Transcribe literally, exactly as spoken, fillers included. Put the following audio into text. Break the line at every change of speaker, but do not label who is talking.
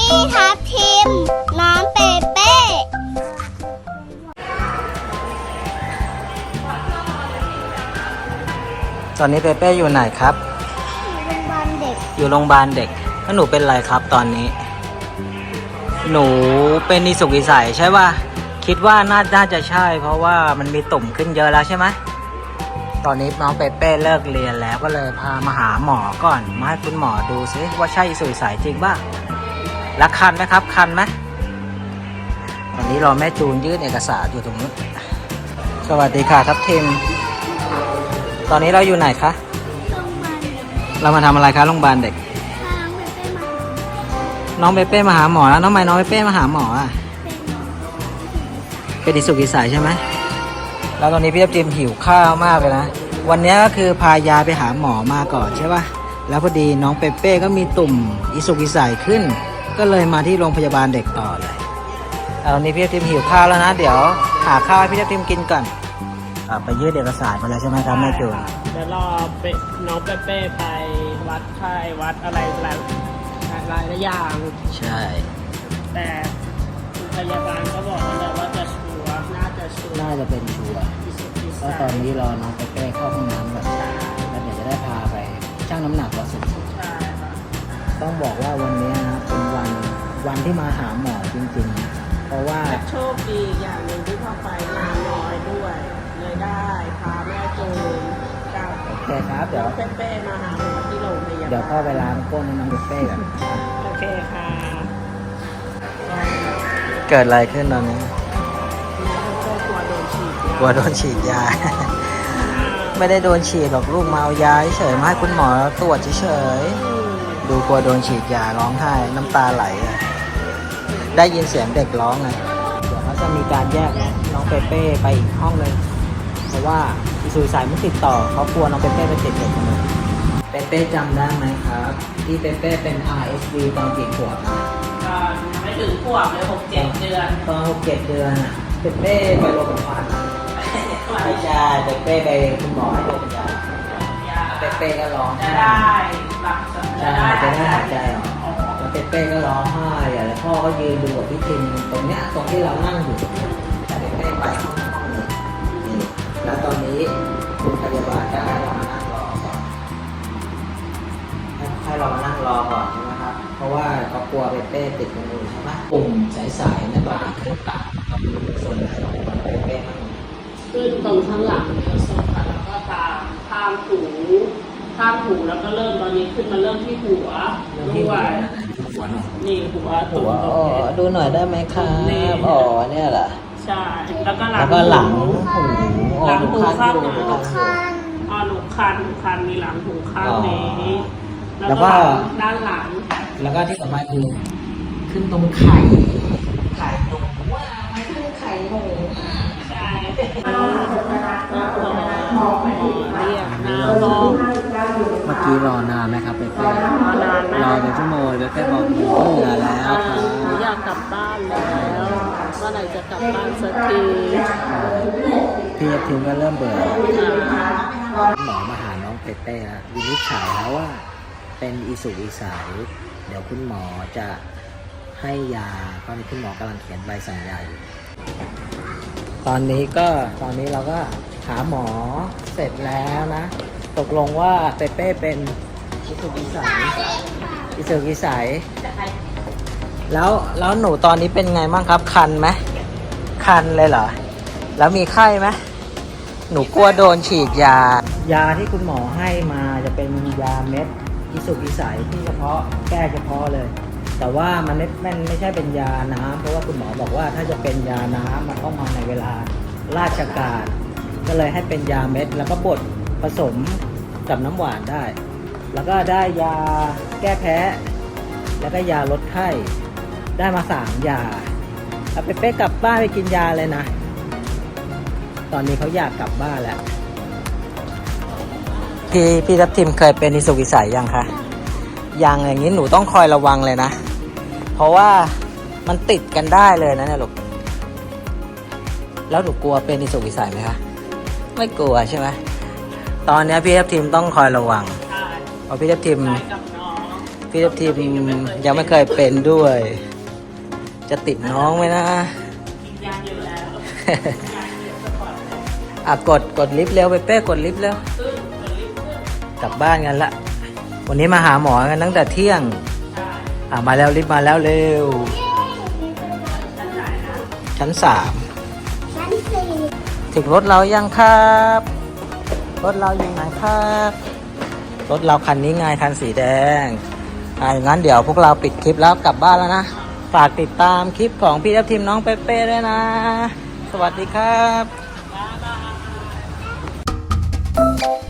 พี่ทับทิมน้องเปเป้
ตอนนี้เปเป้อยู่ไหนครับ
โรงพยาบาลเด็ก
อยู่โรงพยาบาลเด็กแล้วหนูเป็นอะไรครับตอนนี้ หนูเป็นนิสุกอิสัยใช่ป่ะคิดว่าน่าน่าจะใช่เพราะว่ามันมีตุ่มขึ้นเยอะแล้วใช่ไหมตอนนี้น้องเปเป้เลิกเรียนแล้วก็เลยพามาหาหมอก่อนมาให้คุณหมอดูซิว่าใช่อิสุกอิสัยจริงป่ะแล้วคันไหมครับคันไหมวันนี้รอแม่จูนยื่นเอกสารอยู่ตรงนู้นสวัสดีค่ะทัพทิมตอนนี้เราอยู่ไหนคะเรามาทำอะไรคะโรงพยาบาลเด็กน้องเปเป้มาหาหมอแล้วน้องไม้น้องเปเป้มาหาหมออ่ะเป็นอิสุกอิสัยใช่ไหมแล้วตอนนี้พี่ทัพทิมหิวข้าวมากเลยนะวันนี้ก็คือพายาไปหาหมอมาก่อนใช่ป่ะแล้วพอดีน้องเปเป้ก็มีตุ่มอิสุกอิสัยขึ้นก็เลยมาที่โรงพยาบาลเด็กต่อเลยตอนนี้พี่ทัพทิมหิวข้าวแล้วนะเดี๋ยวหาข้าวให้พี่ทัพทิมกินก่อนไปยื่นเอกสารมาแล้วใช่ไหมครับแม่จูน
เดี๋ยวรอน้องเปเป้ไปวัดไข้วัดอะไรหลายหลายอย่าง
ใช่
แต่พยาบาลก็บอกแล้วว่าจะชัวร์น่าจะชัวร์
น่าจะเป็นชัวร์เพราะตอนนี้รอน้องเปเป้เข้าห้องน้ำก่อนแล้วเดี๋ยวจะได้พาไปชั่งน้ำหนักว่าสุดต้องบอกว่าวันนี้นะเป็นวันวันที่มาหาหมอจริงๆเพราะว่า
โชคดีอย่างหนึ่งที่เข้าไปงานน้อยด้วยเลยได้พาแม่จูนกับ
โอเคครับเดี๋ยว
เปเป้มาหาหมอที่โรงพยาบาล
เดี๋ยวพ่อไปล้างก้นให้น้องเปเป้กัน
โอเคค่ะ
เกิดอะไรขึ้นตอนนี้กลัวโดนฉีดยาไม่ได้โดนฉีดหรอกลูกมาเอายาเฉยมาให้คุณหมอตรวจเฉยดูกลัวโดนฉีดยาร้องไห้น้ำตาไหลได้ยินเสียงเด็กร้องไงเดี๋ยวเขาจะมีการแยกน้องเปเป้ไปอีกห้องเลยเพราะว่าอิสุกอิสัยมันติดต่อเขากลัวน้องเปเป้ไปติดเด็กคนนึงเปเป้จำได้ไหมครับที่เปเป้เป็น อาร์ เอส วี ตอนกี่ขวบนะ
ตอนไม่ถึงขวบเลยหกเจ็ดเดือน
ตอนหกเจ็ดเดือนอ่ะเปเป้ไปโรงพยาบาลไม่ใช่เปเป้ไปคุณหมอให้โรงพยาบาลเปเป้ก็ร้อง
จะได้หลับ
จะได้จะได้หายใจออกแล้วเปเป้ก็ร้องไห้แล้วพ่อก็ยืนดูกับพี่ทิมตรงเนี้ยตรงที่เรานั่งอยู่แต่เปเป้ไปห้องนี้แล้วตอนนี้คุณพยาบาลจะให้เรามานั่งรอก่อนให้เรามานั่งรอก่อนใช่ไหมครับเพราะว่าเขากลัวเปเป้ติดมือใช่ไหมปุ่มสายๆนั่นตอนนี้ขึ้นตาส่วนไหนของเปเป้มั่ง
ขึ้นตรงข้างหลังเนี่ยโซฟาแล้วก็ตามข้ามหูข้ามหูแล้วก็เริ่มตอนนี้ขึ้นมาเริ่มที่หัวด้วยนี่หัว
หัวอ๋อดูหน่อยได้ไหมครับอ๋อเนี่ยแหละ
ใช่แล้วก็หลัง
แล้วก็หลังหู
หลังหูข้างนี้อ๋อหนูคันหนูคันมีหลังหูข้างนี้แล้วก็ด้านหลัง
แล้วก็ที่สำคัญคือขึ้นตรงไข่ไข่ตรงว่าไม่ขึ้นไข่หมู
ใช่เ
มื่อกี้รอนานไหมครับเปเป้รอเป็นชั่วโมงเปเป้บอกหนูเหนื่อยแล้ว
อยากกลับบ้านแล้วเมื่อไหร่จะกลับบ้านสักที
พี่ทิมก็เริ่มเบื่อหมอมาหาน้องเปเป้วินิจฉัยแล้วว่าเป็นอิสุกอิสัยเดี๋ยวคุณหมอจะให้ยาตอนนี้คุณหมอกำลังเขียนใบสั่งยาอยู่ตอนนี้ก็ตอนนี้เราก็หาหมอเสร็จแล้วนะตกลงว่าเปเป้เป็นอิสุกอิสัยอิสุกอิสัยแล้วแล้วหนูตอนนี้เป็นไงบ้างครับคันไหมคันเลยเหรอแล้วมีไข้ไหมหนูกลัวโดนฉีดยายาที่คุณหมอให้มาจะเป็นยาเม็ดอิสุกอิสัยที่เฉพาะแก้เฉพาะเลยแต่ว่ามันไม่ไม่ไม่ใช่เป็นยาน้ำเพราะว่าคุณหมอบอกว่าถ้าจะเป็นยาน้ำมันต้องมาในเวลาราชการก็เลยให้เป็นยาเม็ดแล้วก็บดผสมกับน้ำหวานได้แล้วก็ได้ยาแก้แพ้แล้วก็ยาลดไข้ได้มาสามยาเอาไปเป๊กกลับบ้านไปกินยาเลยนะตอนนี้เขาอยากกลับบ้านแล้วพี่พี่ทัพทิมเคยเป็นอิสุกอิสัยยังคะยังอย่างนี้หนูต้องคอยระวังเลยนะเพราะว่ามันติดกันได้เลยนะเนี่ยลูกแล้วหนูกลัวเป็นอิสุกอิสัยไหมคะไม่กลัวใช่ไหมตอนนี้พี่ทัพทิมต้องคอยระวังเพราะพี่ทัพทิมพี่ทัพทีมยังไม่เคยเป็นด้วย จะติดน้องไหมนะ
ยังอยู่แล้ว
อ่ะกดกดลิฟต์เร็วไปเป้กดลิฟต์เร็วกลับบ้านกันละวันนี้มาหาหมอกันตั้งแต่เที่ยงอ่ะมาแล้วลิฟต์มาแล้วเร็วชั้นสาม
ชั้นสี่
ถึงรถเรายังครับรถเราอยู่ไหนครับรถเราคันนี้ไงคันสีแดงอ่ะงั้นเดี๋ยวพวกเราปิดคลิปแล้วกลับบ้านแล้วนะฝากติดตามคลิปของพี่ทัพทีมน้องเป้ๆด้วยนะ สวัสดีครับ